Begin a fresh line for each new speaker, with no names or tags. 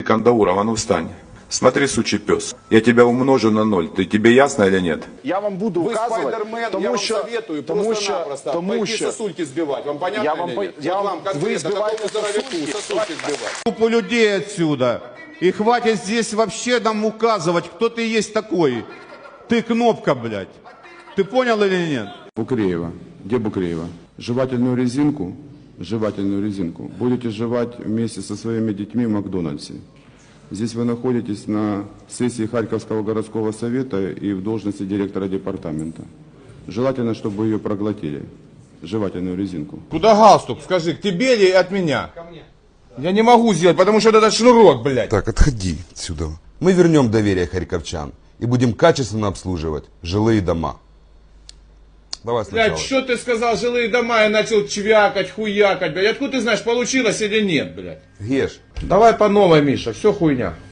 Кандауров, а ну встань. Смотри, сучий пес, я тебя умножу на 0. Тебе ясно или нет?
Я вам буду
Вы
указывать,
Спайдермен, я
тому
вам
що,
советую
тому що,
просто-напросто
тому
пойти
що,
сосульки сбивать. Вам понятно
Я вам
или
по-
нет?
я
Вот
вам-
вам конкретно,
вы сбиваете
какому здоровяку
сосульки?
сосульки сбивать.
Группу людей отсюда. И хватит здесь вообще нам указывать, кто ты есть такой. Ты кнопка, блядь. Ты понял или нет?
Букреева. Где Букреева? Жевательную резинку будете жевать вместе со своими детьми в Макдональдсе. Здесь вы находитесь на сессии Харьковского городского совета и в должности директора департамента. Желательно, чтобы вы ее проглотили. Жевательную резинку.
Куда галстук? Скажи, к тебе или от меня? Ко мне. Я не могу сделать, потому что это шнурок, блядь.
Так, отходи отсюда. Мы вернем доверие харьковчан и будем качественно обслуживать жилые дома. Давай сначала.
Блядь, что ты сказал, жилые дома, я начал чвякать, хуякать, блядь. Откуда ты знаешь, получилось или нет, блядь?
Геш,
Давай по новой, Миша, все хуйня.